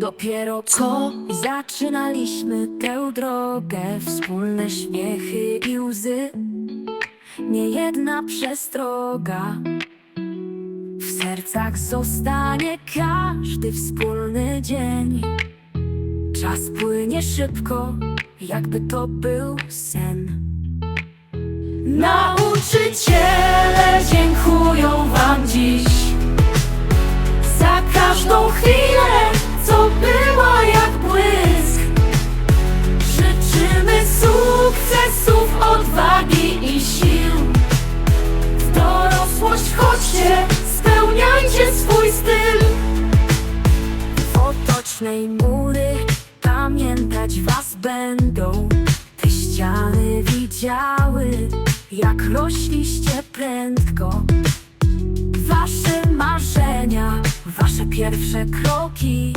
Dopiero co zaczynaliśmy tę drogę, wspólne śmiechy i łzy, niejedna przestroga. W sercach zostanie każdy wspólny dzień. Czas płynie szybko, jakby to był sen. Nauczyciele dziękują wam dziś za każdą chwilę, co była jak błysk. Życzymy sukcesów, odwagi i sił. W dorosłość chodźcie, spełniajcie swój styl. W otocznej mury pamiętać was będą. Te ściany widziały, jak rośliście prędko. Wasze marzenia, wasze pierwsze kroki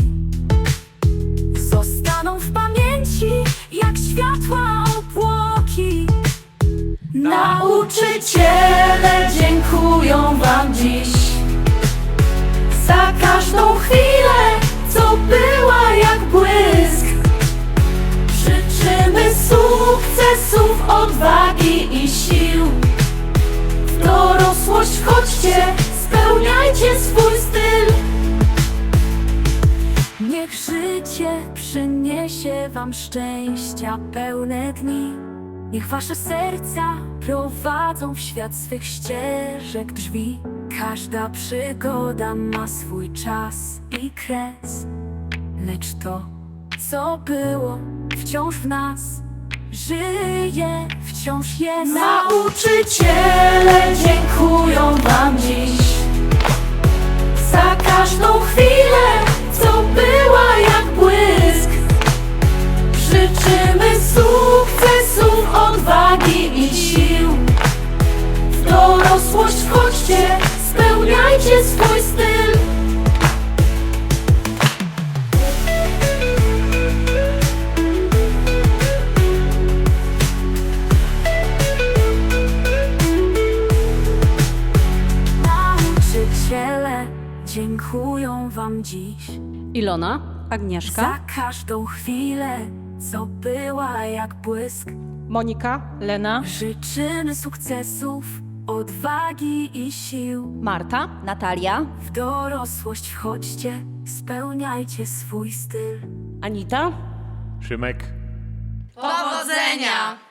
zostaną w pamięci jak światła obłoki. Nauczyciele dziękują wam dziś za każdą chwilę, co była jak błysk. Życzymy sukcesów, odwagi i sił. W dorosłość chodźcie, spełniajcie swój styl. Niech życie przyniesie wam szczęścia pełne dni. Niech wasze serca prowadzą w świat swych ścieżek drzwi. Każda przygoda ma swój czas i kres, lecz to, co było, wciąż w nas żyje, wciąż jest. Nauczyciele dziękują wam dziś za każdą chwilę, co była jak błysk. Życzymy sukcesów, odwagi i sił. W dorosłość wchodźcie, spełniajcie swój styl. Nauczyciele dziękują wam dziś Ilona, Agnieszka, za każdą chwilę, co była jak błysk. Monika, Lena, Życzymy sukcesów, odwagi i sił. Marta, Natalia, W dorosłość wchodźcie, spełniajcie swój styl. Anita. Szymek. Powodzenia!